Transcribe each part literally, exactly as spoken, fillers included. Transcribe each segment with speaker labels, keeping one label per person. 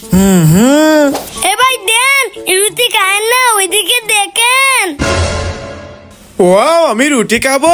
Speaker 1: হুম হুম
Speaker 2: এ ভাই দেন রুটি খায় না, ওইদিকে দেখেন।
Speaker 3: ওয়াও, আমি রুটি খাবো।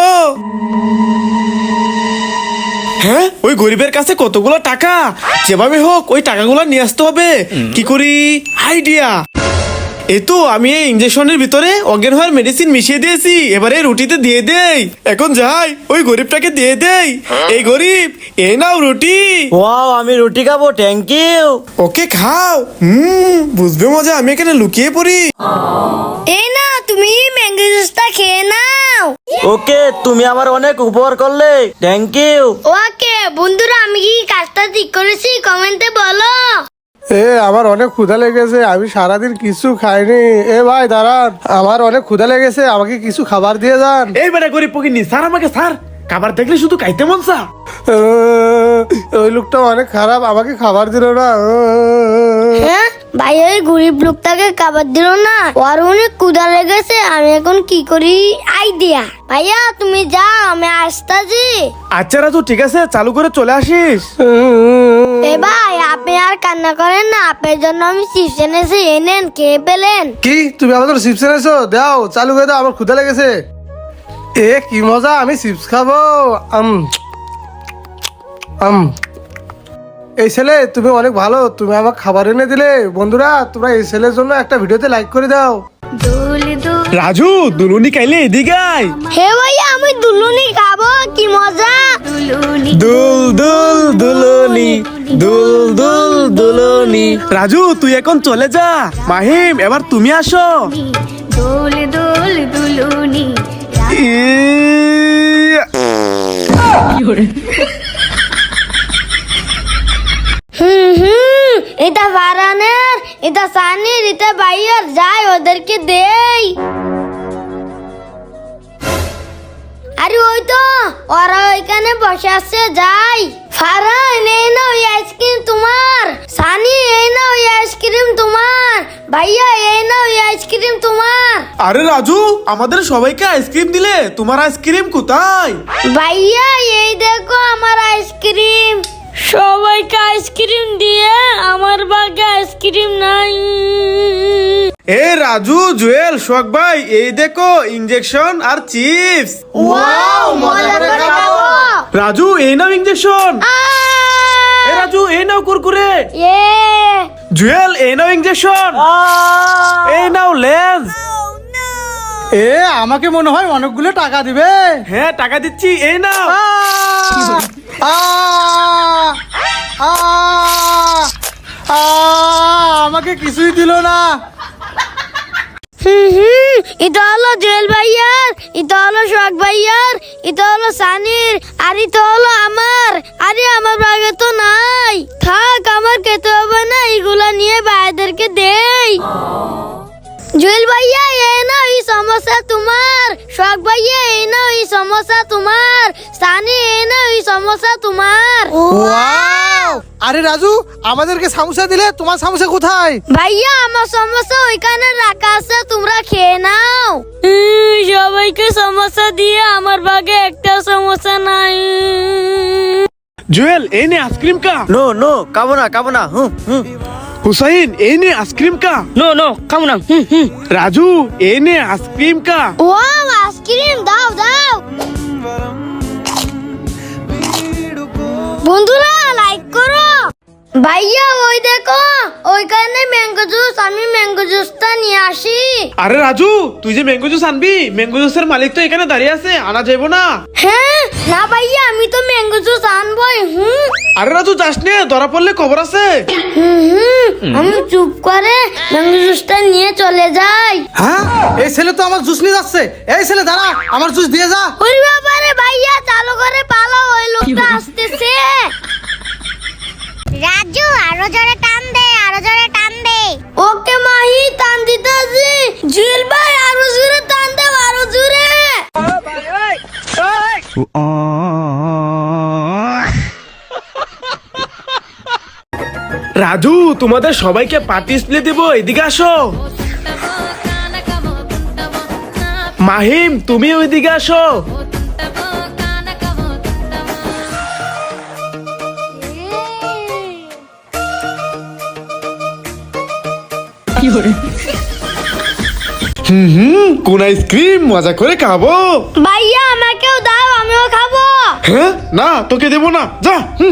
Speaker 3: হ্যাঁ, ওই গরিবের কাছে কতগুলো টাকা, যেভাবে হোক ওই টাকাগুলো নিয়ে আসতে হবে। কি করি, আইডিয়া। এই তো আমি এই ইনজেকশনের ভিতরে অজ্ঞান হওয়ার মেডিসিন মিশিয়ে দিয়েছি, এবারে রুটিতে দিয়ে দেই। এখন যাই ওই গরিবটাকে দিয়ে দেই। এই গরিব, এই নাও রুটি।
Speaker 1: ওয়াও, আমি রুটি খাবো, থ্যাংক ইউ।
Speaker 3: ওকে খাও। হুম, বুঝবে মজা, আমি এখানে লুকিয়ে পড়ি।
Speaker 2: এই না, তুমি ম্যাঙ্গো জুসটা খেয়ে নাও।
Speaker 1: ওকে, তুমি আমার অনেক উপকার করলে, থ্যাংক ইউ।
Speaker 2: ওকে বন্ধুরা, আমি কি কাজটা ঠিক করেছি কমেন্টে বলো।
Speaker 4: এ আমার অনেক ক্ষুধা লেগেছে, আমি সারাদিন কিছু খাইনি। এ ভাই দাঁড়ান, আমার অনেক ক্ষুধা লেগেছে, আমাকে কিছু খাবার দিয়ে যান।
Speaker 3: এই বেটা গরিব পকিনি, স্যার আমাকে স্যার, খাবার দেখলে শুধু খাইতে মন চা।
Speaker 4: আহ, ওই লোকটা অনেক খারাপ, আমাকে খাবার দিল না।
Speaker 2: হ্যাঁ ভাই, ওই গরিব লোকটাকে খাবার দিল না, ওর অনেক ক্ষুধা লেগেছে। আমি এখন কি করি, আইডিয়া। ভাইয়া তুমি যাও, আমি আসতাছি।
Speaker 3: আচ্ছা রাজু, ঠিক আছে, চালু করে চলে আসিস।
Speaker 2: এ ভাই, আপনি আর কান্না করেন না, আপনার জন্য আমি চিপস এনেছি, এনেন, খেয়ে পেলেন।
Speaker 4: কি তুমি আমাদের চিপস এনেছো? দাও, চালু করে দাও, আমার ক্ষুধা লেগেছে। এ কি মজা, আমি চিপস খাবো। আম আম এই ছেলে তুমি অনেক ভালো, তুমি আমাকে খাবার এনে দিলে। বন্ধুরা, তোমরা এই ছেলের জন্য একটা ভিডিওতে লাইক করে দাও।
Speaker 3: রাজু, দুলুনি খাইলে এদিকে আয়।
Speaker 2: হে ভাইয়া, আমি দুলুনি খাবো, কি মজা।
Speaker 3: দুল দুল দুলুনি, দুল দুল দুলুনি। রাজু, তুই এখন চলে যা। মাহিম, এবার তুমি আসো।
Speaker 5: দোল দোল দুলুনি।
Speaker 3: ই-
Speaker 2: হুম হুম এটা ফারানের, এটা সানির, এটা ভাইয়ার, যাই ওদেরকে দেই। আরে ওই তো ওরা ওইখানে বসে আছে, যাই। ফারান, এই না ওই আইসক্রিম তোমার। সানি, এই না ওই আইসক্রিম তোমার। ভাইয়া, এই না ওই আইসক্রিম তোমার।
Speaker 3: আরে রাজু, আমাদের সবাইকে আইসক্রিম দিলে, তোমার আইসক্রিম কোথায়?
Speaker 2: ভাইয়া, এই দেখো আমার আইসক্রিম। সবাইকে আইসক্রিম দিয়ে আমার ভাগে আইসক্রিম নাই।
Speaker 3: এ রাজু, জুয়েল, শোক ভাই, এই দেখো ইনজেকশন আর চিপস।
Speaker 2: ওয়াও, মজা করে খাবো।
Speaker 3: রাজু, এই নাও ইনজেকশন। এ রাজু, এই নাও কুরকুরে।
Speaker 2: ইয়ে
Speaker 3: জুয়েল, এই নাও ইনজেকশন। এই নাও লেন্স।
Speaker 4: এ আমাকে মনে হয় অনেকগুলো টাকা দিবে।
Speaker 3: হ্যাঁ, টাকা দিচ্ছি, এই নাও।
Speaker 4: আহ! আহ! আহ! আহ! আমাকে কিছুই দিল না।
Speaker 2: হুম হুম এটা হলো জুয়েল ভাইয়ার, এটা হলো শোক ভাইয়ার, এটা হলো সানির, আর এটা হলো আমার। আরে আমার ভাগে তো নাই। থাক, আমার খেতে হবে না, এগুলা নিয়ে ভাইদেরকে দেই। জুয়েল ভাইয়া, এই নাও এই সমস্যা তোমার। শোক ভাইয়া, এই নাও এই সমস্যা তোমার। সানি, এই নাও এই সমস্যা তোমার।
Speaker 4: ওয়াও! আরে রাজু, আমাদেরকে সামোসা দিলে, তোমার সামোসা কোথায়?
Speaker 2: ভাইয়া, আমার সমস্যা ওইখানে রাখা আছে, তোমরা খেয়ে নাও। সবাইকে সমস্যা দিয়ে আমার ভাগে একটা সমস্যা নাই।
Speaker 3: জুয়েল, এই নে আইসক্রিম কা।
Speaker 1: নো নো, খাবো না, খাবো না। হুম হুম
Speaker 3: হুসাইন, এই নে আইসক্রিম কা।
Speaker 1: নো নো, খাবো না। হুম হুম
Speaker 3: রাজু, এই নে আইসক্রিম কা।
Speaker 2: ওয়াও, আইসক্রিম দাও দাও। বন্ধুরা, লাইক করো। ভাইয়া, ওই দেখো ওইখানে ম্যাঙ্গো জুস, আমি ম্যাঙ্গো জুসটা নিয়ে আসি।
Speaker 3: আরে রাজু, তুই যে ম্যাঙ্গো জুস আনবি, ম্যাঙ্গো জুসের মালিক তো এখানে দাঁড়িয়ে আছে, আনা যাইবো না।
Speaker 2: হ্যাঁ না ভাইয়া, আমি তো ম্যাঙ্গো জুস আনবই। হুম
Speaker 3: আরে রাজু, যাস নে, ধরা পড়লে খবর আছে।
Speaker 2: হুম হুম আমি চুপ করে ম্যাঙ্গো জুসটা নিয়ে চলে যাই।
Speaker 4: হ্যাঁ, এই ছেলে তো আমার জুস নিয়ে যাচ্ছে। এই ছেলে দাঁড়া, আমার জুস দিয়ে যা।
Speaker 2: ওরে বাবারে ভাইয়া, চালু করে পালাও, ওই লোকটা আসতেছে।
Speaker 5: রাজু, আরো জোরে টান দে, আরো জোরে টান দে।
Speaker 2: ওকে মাহি, টান দিতেছি। জুয়েল ভাই, আরো জোরে টান দে, আরো জোরে।
Speaker 3: রাজু, তোমাদের সবাইকে পার্টি স্প্লে দেবো, এদিকে আসো। মাহিম, তুমি ওইদিকে আসো। হুম হুম কোন আইসক্রিম মজা করে খাবো।
Speaker 2: ভাইয়া আমাকেও দাও, আমিও খাবো।
Speaker 3: হ্যাঁ না তোকে দেবো না, যা। হুম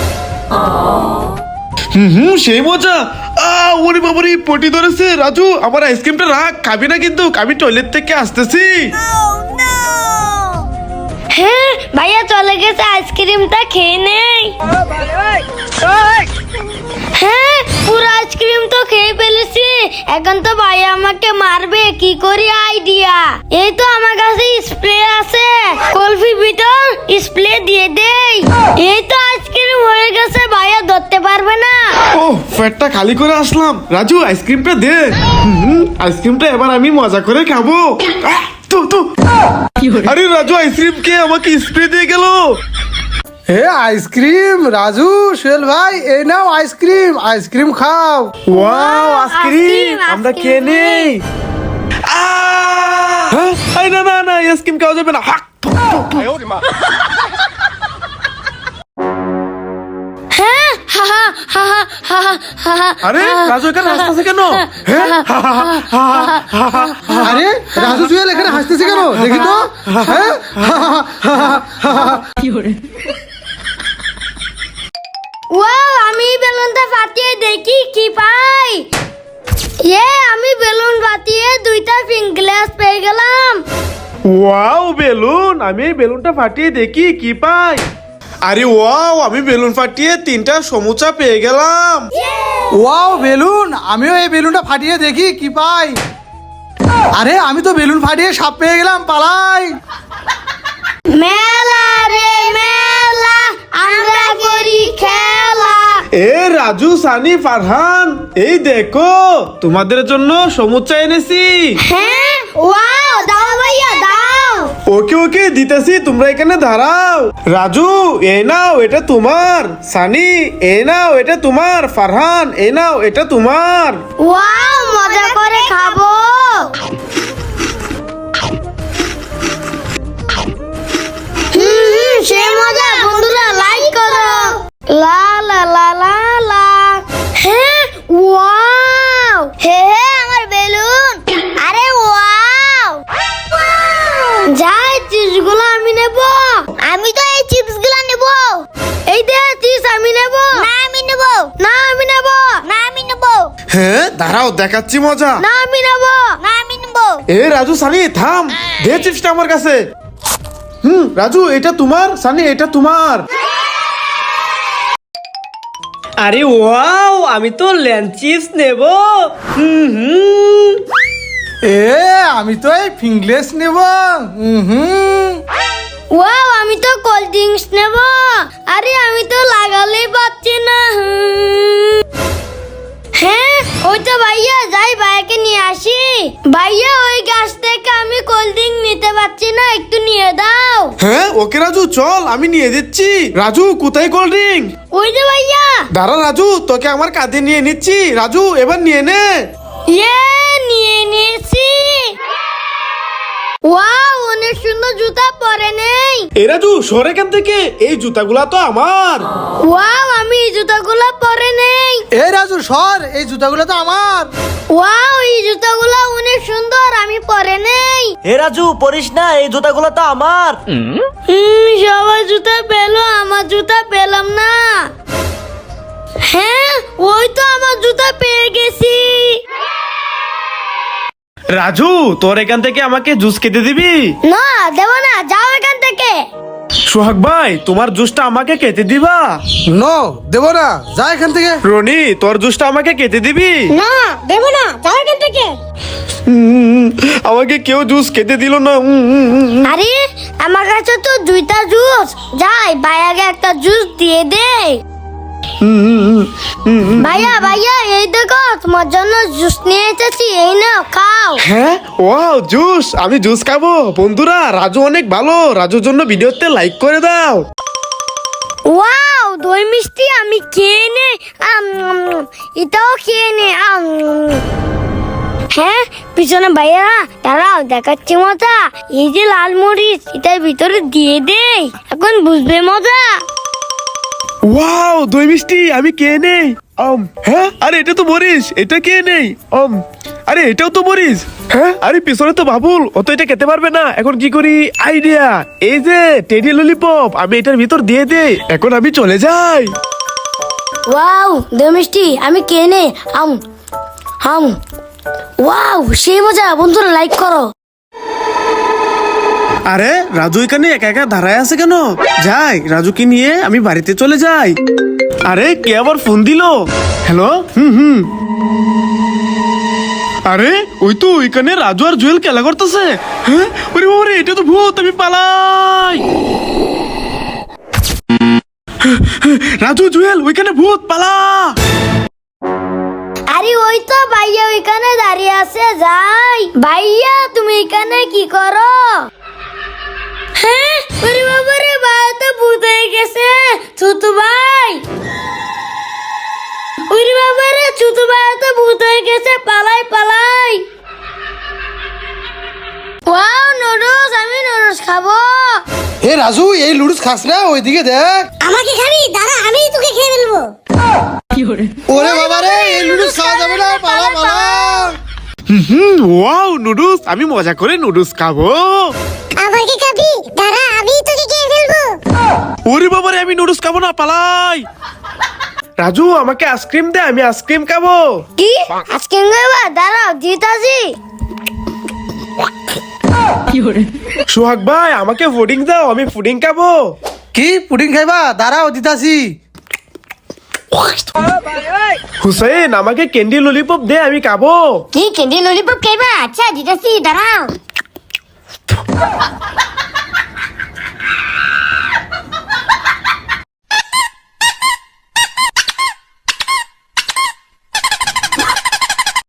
Speaker 3: হুম হুম সেই মজা। আহ ওরে বাবারে পটি ধরেছে। রাজু আমার আইসক্রিমটা রাখ, খাবি না কিন্তু, আমি টয়লেট থেকে আসতেছি।
Speaker 2: হ্যাঁ ভাইয়া চলে গেছে, আইসক্রিমটা খেয়ে নেই। হ্যাঁ পুরো আইসক্রিম তো খেয়ে ফেলেছি, এখন তো ভাইয়া আমাকে মারবে, কি করি আইডিয়া। এই তো আমার কাছে স্প্রে আছে, কলফি ভিতর স্প্রে দিয়ে দেই। এই তো আইসক্রিম হয়ে গেছে, ভাইয়া ধরতে পারবে না।
Speaker 3: ও পেটটা খালি করে আসলাম। রাজু আইসক্রিমটা দে। হুম আইসক্রিমটা এবার আমি মজা করে খাবো। আহ, তু, তু। আরে রাজু আইসক্রিম কে আমাকে স্প্রে দিয়ে গেল।
Speaker 4: হে আইসক্রিম, রাজু সোহেল ভাই এই নাও আইসক্রিম, আইসক্রিম খাও।
Speaker 3: ওয়াও আইসক্রিম,
Speaker 2: আইসক্রিম,
Speaker 3: আমরা
Speaker 2: আইসক্রিম
Speaker 3: খেয়ে নেই। আহ! হ্যাঁ? আই না না না আইসক্রিম খাওয়া যাবে না। হাক!
Speaker 2: হ্যাঁ হা হা হা হা হা হা হা।
Speaker 3: আরে রাজু এখানে হাসতেছে কেন? হ্যাঁ?
Speaker 4: আরে রাজু সোহেল এখানে হাসতেছে কেন দেখি তো। হ্যাঁ
Speaker 2: ওয়াও আমি বেলুনটা ফাটিয়ে দেখি কি পাই। ইয়ে আমি বেলুন ফাটিয়ে দুইটা পিঙ্ক গ্লাস পেয়ে গেলাম।
Speaker 3: ওয়াও বেলুন, আমি এই বেলুনটা ফাটিয়ে দেখি কি পাই। আরে ওয়াও আমি বেলুন ফাটিয়ে তিনটা সমুচা পেয়ে গেলাম।
Speaker 4: ওয়াও বেলুন, আমিও এই বেলুনটা ফাটিয়ে দেখি কি পাই। আরে আমি তো বেলুন ফাটিয়ে সাপ পেয়ে গেলাম, পালাই।
Speaker 2: মেলা রে মেলা, আমরা করি খেলা।
Speaker 3: এ রাজু সানি ফারহান, এই দেখো তোমাদের জন্য সমুচা এনেছি।
Speaker 2: হ্যাঁ ওয়াও দাও ভাইয়া দাও।
Speaker 3: ওকে ওকে দিতেছি, তোমরা এখানে দাঁড়াও। রাজু এ নাও এটা তোমার, সানি এ নাও এটা তোমার, ফারহান এ নাও এটা তোমার।
Speaker 2: ওয়াও মজা করে খাবো। হুম হুম সে মজা, বন্ধুরা লাইক করো। লা লা লা লা লা। হ্যাঁ ওয়াও, হে হে আমার বেলুন। আরে ওয়াও, যাই চিপসগুলো আমি নেব। আমি তো এই চিপসগুলো নেব। এই দে চিপস আমি নেব। না আমি নেব। না আমি নেব। না আমি নেব।
Speaker 3: হ্যাঁ দাঁড়াও দেখাচ্ছি মজা।
Speaker 2: না আমি নেব। না আমি নেব।
Speaker 3: এ রাজু সানি থাম, দে চিপসটা আমার কাছে। হুম রাজু এটা তোমার, সানি এটা তোমার।
Speaker 1: আরে ওয়াও আমি তো ল্যান্ড চিপস নেব। হুম হুম
Speaker 4: এ আমি তো এই ফিংলেস নেব। হুম
Speaker 2: ওয়াও আমি তো কোল্ড ড্রিঙ্কস নেব। আরে আমি তো লাগালেই পাচ্ছি না। হুম। হ্যাঁ ওই তো ভাইয়া, যাই ভাইয়াকে নিয়ে আসি। ভাইয়া ওই গাছ থেকে আমি কোল্ড ড্রিঙ্ক নিতে পারছি না, একটু নিয়ে দাও।
Speaker 3: হ্যাঁ ওকে রাজু চল আমি নিয়ে দিচ্ছি। রাজু কোথায় কোল্ড ড্রিঙ্ক?
Speaker 2: ওই যে ভাইয়া।
Speaker 3: দাঁড়া রাজু তোকে আমার কাঁধে নিয়ে নিচ্ছি। রাজু এবার নিয়ে নে।
Speaker 2: ইয়ে নিয়ে নিয়েছি। ওয়াও অনেক সুন্দর জুতা পরে নেই।
Speaker 3: এ রাজু সর এখান থেকে, এই জুতাগুলা তো আমার।
Speaker 2: ওয়াও আমি এই জুতাগুলো পরে নেই।
Speaker 4: এই রাজু সর, এই জুতাগুলো তো আমার।
Speaker 2: ওয়াও এই জুতাগুলো অনেক সুন্দর, আমি পরে নেই।
Speaker 1: হে রাজু পড়িস না, এই জুতাগুলো তো আমার।
Speaker 2: হুম সবাই জুতা পেলো, আমার জুতা পেলাম না। হ্যাঁ ওই তো আমার জুতা পেয়ে গেছি।
Speaker 3: রাজু তোর এখান থেকে আমাকে জুস খেতে দিবি?
Speaker 2: না দেব না, যাও এখান থেকে।
Speaker 3: সোহাগ ভাই তোমার জুসটা আমাকে খেতে দিবা?
Speaker 4: নো দেব না, যা এখান থেকে।
Speaker 3: রনি তোর জুসটা আমাকে খেতে দিবি?
Speaker 2: না দেব না, যাও এখান থেকে।
Speaker 3: উম, আমাকে কেউ জুস খেতে দিল না। উম, উম, উম, উম।
Speaker 2: আরে আমার কাছে তো দুইটা জুস, যাই ভাইয়াকে একটা জুস দিয়ে দে। ভাইয়া ভাইয়া এই দেখো তোমার জন্য জুস নিয়ে এসেছি, এই নাও খাও।
Speaker 3: হ্যাঁ ওয়াও জুস, আমি জুস খাবো। বন্ধুরা রাজু অনেক ভালো, রাজুর জন্য ভিডিওতে লাইক করে দাও।
Speaker 2: ওয়াও দই মিষ্টি আমি খেয়ে নে। আম, উম, এটাও খেয়ে নে। আম, উম। হ্যাঁ পিছনে ভাইয়া দাঁড়াও দেখাচ্ছি মজা। এই যে লাল মরিচ, এটার ভিতরে দিয়ে দে, এখন বুঝবে মজা।
Speaker 3: ওয়াও দই মিষ্টি আমি কে নেই আম হ্যাঁ আরে এটা তো মরিস এটা কে নেই আম আরে এটাও তো মরিস হ্যাঁ আরে পিছনে তো বাবুল ও তো এটা খেতে পারবে না এখন কি করি আইডিয়া এই যে টেডি ললিপপ আমি এটার ভিতর দিয়ে দেই এখন আমি চলে যাই
Speaker 2: ওয়াও দই মিষ্টি আমি কেনে আম হাম ওয়াও সেই মজা বন্ধুরা লাইক করো।
Speaker 3: আরে রাজু এখানে একা একা দাঁড়ায় আছে কেন যাই রাজুকে নিয়ে আমি বাড়িতে চলে যাই আরে কে আবার ফোন দিল হ্যালো হুম হুম আরে ওই তো ওইখানে রাজু আর জুয়েল খেলা করতেছে হ্যাঁ ওরে বাবারে এটা তো ভূত আমি পালাই রাজু জুয়েল ওইখানে ভূত পালা
Speaker 2: আরে ওই তো ভাইয়া ওইখানে দাঁড়িয়ে আছে যাই ভাইয়া তুমি এখানে কি করো হ্যাঁ ওরে বাবা রে ভাই তো ভূত হয়ে গেছে ছোট ভাই ওরে বাবা রে ছোট ভাই তো ভূত হয়ে গেছে পালাই পালাই ওয়াও নুডলস আমি নুডলস খাবো
Speaker 4: হে রাজু এই লুডুস খাস না ওইদিকে দেখ
Speaker 5: আমাকে খাবি দাঁড়া আমি তোকে খেয়ে ফেলবো
Speaker 4: ওরে বাবা রে এই লুডুস খাওয়া যাবে না পালা পালা
Speaker 3: হুম ওয়াও নুডলস আমি মজা করে নুডলস খাবো
Speaker 5: আমাকে খাবি দাঁড়া আমি তোকে খেয়ে ফেলবো
Speaker 3: ওরে বাবারে আমি নুডলস খাবো না পালাই রাজু আমাকে আইসক্রিম দে আমি আইসক্রিম খাবো
Speaker 2: কি আজকে নেবা দাঁড়াও জিতাজি
Speaker 3: সোহাগ ভাই আমাকে ফুডিং দাও আমি ফুডিং খাবো
Speaker 4: কি পুডিং খাইবা দাঁড়াও দিতাছি
Speaker 3: হুসেন আমাকে ক্যান্ডি ললিপপ দে আমি খাবো
Speaker 5: কি ক্যান্ডি ললিপপ খাইবা আচ্ছা দিতেছি দাঁড়াও